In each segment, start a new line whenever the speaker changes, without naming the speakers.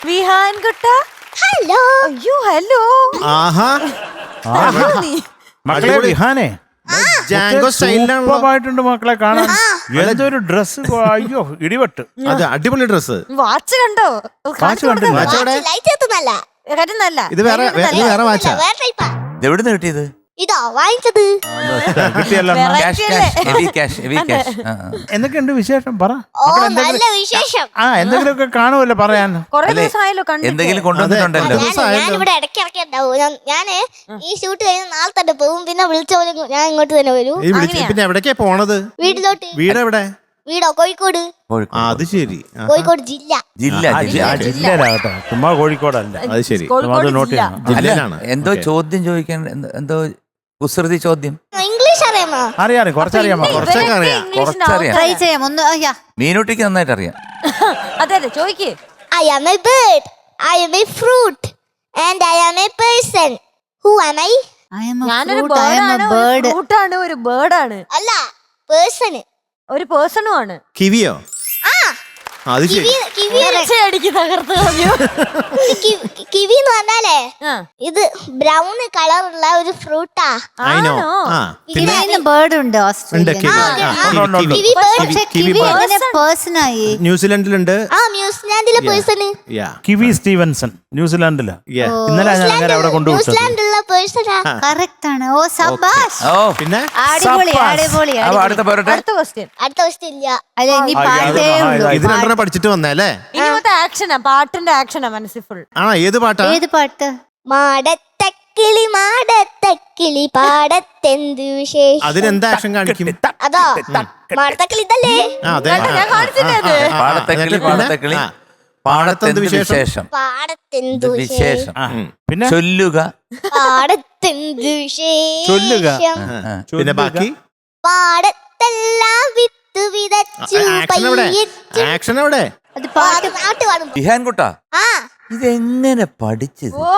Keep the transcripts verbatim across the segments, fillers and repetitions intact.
വിഹാൻ കുട്ട.
ഹലോ.
അയ്യോ ഹലോ.
ആഹാ
മക്കളെ വിഹാനെ
ജാങ്കോ സ്റ്റൈലിലാണല്ലോ.
സൂപ്പറായിട്ടുണ്ട് മക്കളെ കാണാൻ. എന്തൊരു ഡ്രസ്, അയ്യോ ഇടിവെട്ട്.
അത് അടിപൊളി ഡ്രസ്.
വാച്ച് കണ്ടോ?
വാച്ച് കണ്ടില്ല.
വാച്ച് എവിടെ?
ലൈറ്റ് എത്തുന്നല്ല.
കരുന്നല്ല.
ഇത് വേറെ വേ- ഇത് വേറെ വാച്ചാ.
വേറെ ടൈപ്പാ.
എവിടുന്ന് കിട്ടിയത്?
ഇതോ വാങ്ങിച്ചത്.
കിട്ടിയല്ലോ.
Cash cash heavy cash heavy cash.
എന്തൊക്കെയുണ്ട് വിശേഷം പറ.
ഓ നല്ല വിശേഷം.
ആ എന്തെങ്കിലുമൊക്കെ കാണുമല്ലോ പറയാൻ.
കൊറേ
അല്ലേ?
ദിവസമായല്ലോ കണ്ടിട്ട്.
എന്തെങ്കിലും കൊണ്ടുവന്നിട്ടുണ്ടല്ലോ.
ഞാനിവിടെ ഇടയ്ക്ക് ഇടയ്ക്ക് ഉണ്ടാവും. ഞാൻ- ഞാന് ഈ ഷൂട്ട് കഴിഞ്ഞ് നാളെ തന്നെ പോകും. പിന്നെ വിളിച്ച പോലെ ഞാൻ ഇങ്ങോട്ട് തന്നെ വരൂ.
ഈ വിളിച്ച് പിന്നെ എവിടേക്കാ പോണത്?
വീട്ടിലോട്ട്.
വീട് എവിടെ?
വീടോ കോഴിക്കോട്.
ആ, അത് ശരി. ആ,
കോഴിക്കോട് ജില്ല.
ജില്ല ജില്ല
ജില്ലയിലാകട്ടെ, ചുമ്മാ കോഴിക്കോടല്ല.
അത് ശരി.
കോഴിക്കോട്
അത് നോട്ട്
ജില്ല.
ചെയ്യണം.
ജില്ലയിലാണ്.
എന്തോ
ഓക്കേ.
ചോദ്യം ചോദിക്കാൻ എന്ത- എന്തോ കുസൃതി ചോദ്യം.
ഇംഗ്ലീഷ് അറിയാമോ?
അറിയാം, കുറച്ചറിയാമോ?
ഇവരൊക്കെ
കുറച്ചൊക്കെ അറിയാം.
ഇംഗ്ലീഷിന്
കുറച്ചറിയാം.
ആൾക്കാര്.
ട്രൈ ചെയ്യാം ഒന്ന്. അയ്യാ
മീനൂട്ടിക്ക് നന്നായിട്ട് അറിയാം.
അതെ അതെ ചോദിക്ക്.
I am a bird. I am a fruit. And I am a person. Who am I?
I am a
ഞാനൊരു
fruit, I am a
ബേർഡാണ്, ഒരു
bird.
ഫ്രൂട്ടാണ്, ഒരു ബേർഡാണ്,
അല്ല പേഴ്സൺ.
ഒരു പേഴ്സണും ആണ്.
കിവിയോ?
ആ
ആ, അത് ശരി.
കിവി
അടിക്ക് തകർത്ത് കളഞ്ഞു.
കിവി എന്ന് പറഞ്ഞാലേ
ആ.
ഇത് ബ്രൗൺ കളറുള്ള ഒരു ഫ്രൂട്ടാ.
I know.
ആണോ?
ആ, പിന്നെ
കിവിന് ബേർഡ് ഉണ്ട്
ഉണ്ട്
ഓസ്ട്രേലിയൻ.
കിവി. ആ, കിവി, കിവി.
Kiwi bird.
പക്ഷെ
കിവി
കിവി
bird.
എങ്ങനെ പേഴ്സൺ ആയി?
ന്യൂസിലൻഡിലുണ്ട്.
ആ ന്യൂസിലാൻഡിലെ പേഴ്സൺ.
യാ,
കിവി സ്റ്റീവൻസൺ ന്യൂസിലാൻഡില്.
യാ.
ഇന്നലെ ഞാൻ അങ്ങനെ അവിടെ കൊണ്ടുവിട്ടത്.
ന്യൂസിലാൻഡിലുള്ള പേഴ്സണാ.
കറക്റ്റ് ആണ്. ഓ സബാഷ്.
ഓ
പിന്നെ
അടിപൊളി
സബാഷ്.
അടിപൊളി
അപ്പൊ
അടിപൊളി.
അടുത്ത പോരട്ടെ.
അടുത്ത ക്വസ്റ്റ്യൻ.
അടുത്ത ക്വസ്റ്റ്യൻ ഇല്ല.
അല്ല ഇനി
ആ,
പാട്ടേ
ആ,
ഉള്ളൂ.
ഇത് രണ്ടെണ്ണം പഠിച്ചിട്ട് വന്നല്ലേ?
ഇനി മൊത്തം ആക്ഷനാ, പാട്ടിന്റെ ആക്ഷനാ മനസ്സിൽ ഫുൾ.
ആ, ഏത് പാട്ടാ?
ഏത് പാട്ട്?
മാടത്തക്കിളി മാടത്തക്കിളി പാടത്തെന്ത് വിശേഷം.
അതിനെന്താ ആക്ഷൻ കാണിക്കും?
അതോ മാടത്തക്കിളി ഇതല്ലേ?
ആ, അതെ.
കണ്ടോ, ഞാൻ കാണിച്ചില്ലേ അത്?
ആ, ആ, ആ,
പാടത്തക്കിളി
എന്നിട്ട് പിന്നെ?
പാടത്തക്കിളി
ആ,
പാടത്തെന്ത്
വിശേഷം?
വിശേഷം.
പാടത്തെന്ത്
എന്ത് വിശേഷം.
ആ, പിന്നെ
ചൊല്ലുക.
പാടത്തെന്ത്
ചൊല്ലുക.
വിശേഷം.
ആ.
പിന്നെ ബാക്കി
പാടത്തെല്ലാം വിത്ത് വിതച്ചു
ആക്ഷൻ എവിടെ?
പയ്യച്ചു.
ആക്ഷൻ എവിടെ?
അത് പാട്ട്
നാട്ട് പാടും.
വിഹാൻ കുട്ടാ,
ആ
ഇതെങ്ങനെ പഠിച്ചത്?
ഓ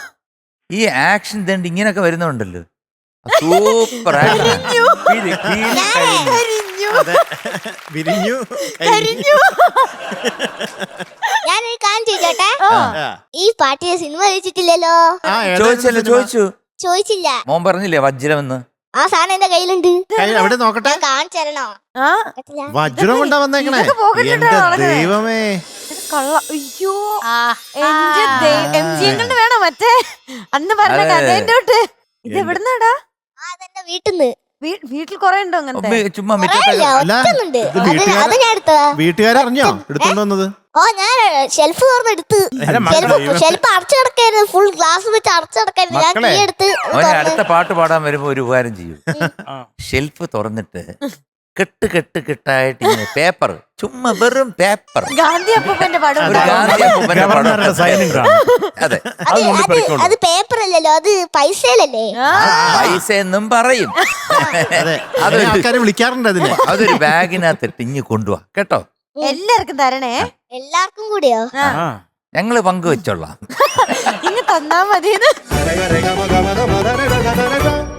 ഈ ആക്ഷൻ തണ്ട് ഇങ്ങനൊക്കെ വരുന്നുണ്ടല്ലോ. Super action.
കരിഞ്ഞു.
അതെ. വിരിഞ്ഞു.
കരിഞ്ഞു.
ഞാനൊരു കാര്യം ചോദിച്ചോട്ടെ.
ആ.
ഈ പാട്ടിലെ സിനിമ ചോദിച്ചിട്ടില്ലല്ലോ.
ആ, ഏതായിരുന്നു
ചോദിച്ചല്ലോ
സിനിമ?
ചോദിച്ചു.
ചോദിച്ചില്ല.
മോൻ പറഞ്ഞില്ലേ വജ്രമെന്ന്?
ആ സാധനം എന്റെ കയ്യിലുണ്ട്.
കൈ എവിടെ നോക്കട്ടെ?
ഞാൻ കാണിച്ചു തരണോ?
ആ
പറ്റില്ല.
വജ്രം കൊണ്ടാ വന്നേക്കണേ.
ഇതൊക്കെ പോക്കറ്റിലിട്ടാ
എന്റെ
നടക്കണേ.
ദൈവമേ.
ഇത് കള്ള. അയ്യോ
ആ,
എന്റെ എം ജി എങ്ങനെ വേണോ മറ്റേ അന്ന് പറഞ്ഞ
അതെ.
കഥേന്റെ തൊട്ട്. ഇത് എവിടുന്നാടാ?
ആ അതെന്റെ വീട്ടിന്ന്.
വീ- വീട്ടിൽ കൊറേ ഉണ്ടോ അങ്ങനത്തെ?
ഉമ്മ ചുമ്മാ
കൊറേ
മിറ്റത്തെ
ഇല്ല,
അല്ല,
ഒറ്റന്നുണ്ട്.
ഇത്
അത്
വീട്ടുകാര്-
അത് ഞാൻ എടുത്തതാ.
വീട്ടുകാരറിഞ്ഞോ എടുത്തോണ്ട് വന്നത്?
ഓ ഞാൻ ഷെൽഫ് തുറന്നെടുത്ത്.
അല്ല, മക്കളെ,
ഷെൽഫ് ഷെൽഫ് അടച്ചു കിടക്കായിരുന്നു. ഫുൾ ഗ്ലാസ് വെച്ച് അടച്ചു കിടക്കായിരുന്നു. ഞാൻ
മക്കളെ,
കീ എടുത്ത്
അവനെ
തുറന്ന്.
അടുത്ത പാട്ട് പാടാൻ വരുമ്പോ ഒരു ഉപകാരം ചെയ്യും.
ആ.
ഷെൽഫ് തുറന്നിട്ട് കെട്ട് കെട്ട് കെട്ടായിട്ട് ഇങ്ങനെ പേപ്പർ, ചുമ്മാ വെറും പേപ്പർ.
ഗാന്ധി അപ്പൂപ്പന്റെ പടം
ഒരു
ഉണ്ടാവും.
ഗാന്ധി അപ്പൂപ്പന്റെ പടം.
ഗവർണറുടെ സൈനും കാണും.
അതെ,
അത് അത് അത് പേപ്പർ അല്ലല്ലോ, അത് പൈസയിലല്ലേ.
ആ,
പൈസ എന്നും പറയും.
അതെ.
അതൊരു
ആൾക്കാരെ വിളിക്കാറുണ്ട് അതിന്.
അതൊരു ബാഗിനകത്തിട്ട് ഇഞ്ഞ് കൊണ്ടുപോവാ കേട്ടോ.
എല്ലാവർക്കും തരണേ.
എല്ലാവർക്കും കൂടിയോ?
ആ,
ആ.
ഞങ്ങള് പങ്കുവെച്ചോളാം.
ഇങ്ങ് തന്നാ മതി.
രഗ രഗ മഗ മഗ മദ രഗ രഗ രഗ.